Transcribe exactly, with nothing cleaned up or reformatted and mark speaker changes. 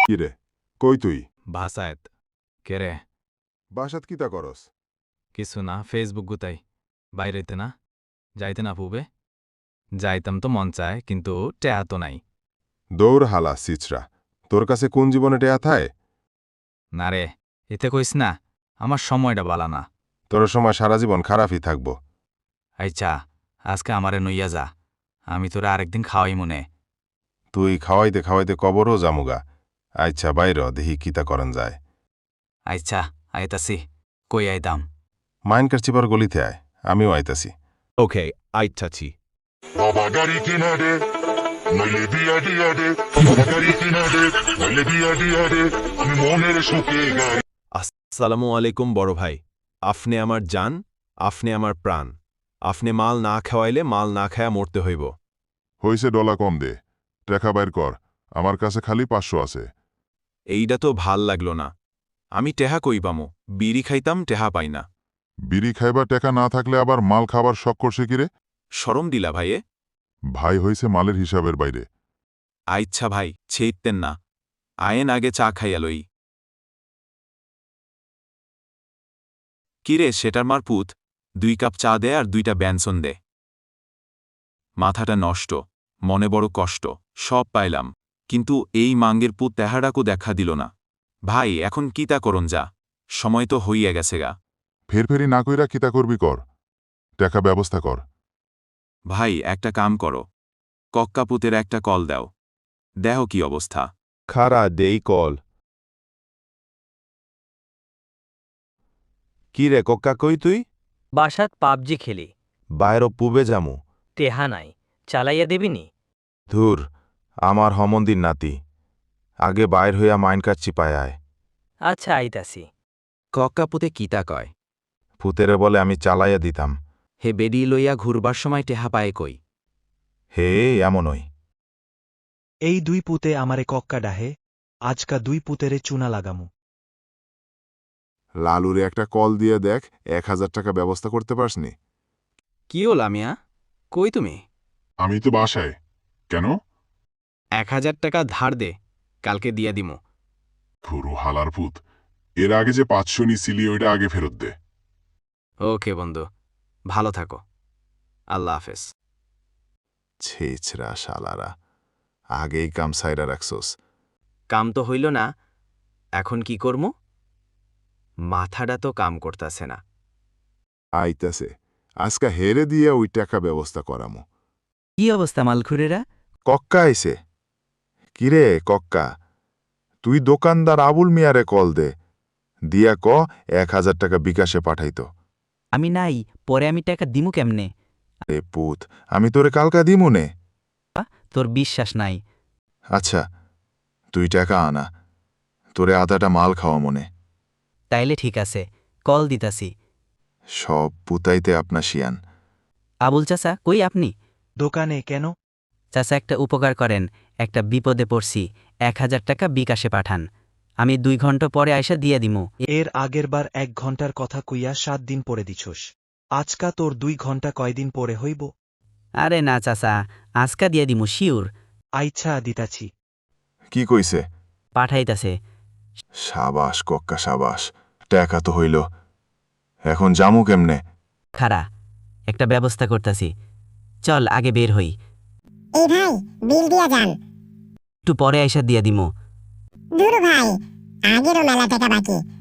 Speaker 1: কিরে কই তুই
Speaker 2: বাসায়ত কেরে
Speaker 1: বাসাত কিতা করস
Speaker 2: কিছু না ফেসবুক গুতাই বাইরেতে না যাইতে না পুবে যাইতাম তো মন চায় কিন্তু টেয়া তো নাই
Speaker 1: দৌড় হালা সিচরা তোর কাছে কোন জীবনে টেয়া থায়
Speaker 2: না রে এতে কইস না আমার সময়টা বালা না
Speaker 1: তোর সময় সারা জীবন খারাপই থাকব
Speaker 2: আচ্ছা আজকে আমারে নইয়া যা আমি তোরা আরেকদিন খাওয়াই মনে
Speaker 1: তুই খাওয়াইতে খাওয়াইতে কবরও জামুগা আচ্ছা বাইর দেহি কিতা করন যায়
Speaker 2: আচ্ছা আইতাছি কই আইতাম
Speaker 1: মাইন কারচিবার গলিতে আয় আমিও আইতাছি
Speaker 3: ওকে আইতাছি
Speaker 4: বাবা গাড়ি কিনা দে নইলে বিয়া দিয়া দে বাবা গাড়ি কিনা দে নইলে বিয়া দিয়া দে আমি মনের সুখে গাই
Speaker 3: আসসালামু আলাইকুম বড় ভাই আপনি আমার জান আপনি আমার প্রাণ আপনি মাল না খাওয়াইলে মাল না খায়া মরতে হইব
Speaker 5: হইছে ডলা কম দে টাকা বাইর কর আমার কাছে খালি পাঁচশো আছে
Speaker 3: এইটা তো ভাল লাগলো না আমি টেহা কই পামো বিড়ি খাইতাম টেহা পাই না
Speaker 5: বিড়ি খাইবার টাকা না থাকলে আবার মাল খাবার শখ করছে কিরে
Speaker 3: শরম দিলা ভাইয়ে
Speaker 5: ভাই হইছে মালের হিসাবের বাইরে
Speaker 3: আইচ্ছা ভাই ছেইতেন না আয়েন আগে চা খাইয়া লই কিরে সেটার মার পুত দুই কাপ চা দে আর দুইটা ব্যঞ্জন দে মাথাটা নষ্ট মনে বড় কষ্ট সব পাইলাম কিন্তু এই মাঙ্গের পুত তেহারাকও দেখা দিল না ভাই এখন কিতা করন যা সময় তো হইয়া গেছে গা
Speaker 5: ফেরফেরি না কইরা কিতা করবি কর টাকা ব্যবস্থা কর
Speaker 3: ভাই একটা কাম করো কক্কাপুতের একটা কল দাও দেহ কি অবস্থা
Speaker 5: খারা দেই কল
Speaker 6: কি রে কক্কা কই তুই
Speaker 7: বাসাত পাবজি খেলি
Speaker 6: বাইর পুবে যামু
Speaker 7: টেহা নাই চালাইয়া দেবিনি
Speaker 6: ধুর আমার হমন্দির নাতি আগে বাইর হইয়া মাইন কাচ্চি পায় আয়
Speaker 7: আচ্ছা আইতাছি
Speaker 8: কক্কাপুতে কিতা কয়
Speaker 6: ফুতেরে বলে আমি চালাইয়া দিতাম
Speaker 8: হে বেডি লইয়া ঘুরবার সময় টেহা পায়ে কই
Speaker 6: হে এমনই
Speaker 9: এই দুই পুতে আমারে কক্কা ডাহে আজকা দুই পুতেরে চুনা লাগামু
Speaker 1: লালুরে একটা কল দিয়ে দেখ এক হাজার টাকা ব্যবস্থা করতে পারসনি
Speaker 8: কি হল আমিয়া কই তুমি
Speaker 5: আমি তো বাসায় কেন
Speaker 8: এক হাজার টাকা ধার দে কালকে দিয়া দিমো
Speaker 5: পুরো হালার পুত এর আগে যে পাঁচশো নিছিলি ওইটা আগে ফেরত দে
Speaker 8: ওকে বন্ধু ভালো থাকো আল্লাহ হাফেজ
Speaker 1: ছেছরা শালারা আগেই কাম সাইরা রাখছোস
Speaker 8: কাম তো হইল না এখন কি করমু মাথাটা তো কাম করতাছে না
Speaker 1: আইতাছে আজকা হেরে দিয়ে ওই টাকা ব্যবস্থা করামো
Speaker 8: কি অবস্থা মালখুরেরা
Speaker 1: কক্কা আইছে কিরে কক্কা তুই দোকানদার আবুল মিয়ারে কল দে দিয়া ক এক হাজার টাকা বিকাশে পাঠাইতো
Speaker 7: আমি নাই পরে আমি টাকা দিমু কেমনে
Speaker 1: এ পুত আমি তোরে কালকা দিমুনে
Speaker 7: তোর বিশ্বাস নাই
Speaker 1: আচ্ছা তুই টাকা আনা তোরে আধাটা মাল খাওয়া মনে
Speaker 7: তাইলে ঠিক আছে কল দিতাছি
Speaker 1: সব পুতাইতে আপনা শিয়ান
Speaker 7: আবুল চাচা কই আপনি
Speaker 9: দোকানে কেন
Speaker 7: চাচা একটা উপকার করেন একটা বিপদে পড়ছি এক হাজার টাকা বিকাশে পাঠান আমি দুই ঘন্টা পরে আইসা দিয়ে দিমু
Speaker 9: এর আগেরবার এক ঘন্টার কথা কইয়া সাত দিন পরে দিছস আজকা তোর দুই ঘন্টা কয়দিন পরে হইব
Speaker 7: আরে না চাচা আজকা দিয়ে দিমু শিউর
Speaker 9: আইচ্ছা দিতাছি
Speaker 1: কি কইছে
Speaker 7: পাঠাইতাছে
Speaker 1: সাবাস কক্কা সাবাস টাকা তো হইল এখন জামু কেমনে
Speaker 7: খারা একটা ব্যবস্থা করতাছি চল আগে বের হই
Speaker 10: এই ভাই বিল দিয়া যান
Speaker 7: একটু পরে আইসা দিয়ে দিমু
Speaker 10: দূর ভাই আগেরও মেলা টাকা বাকি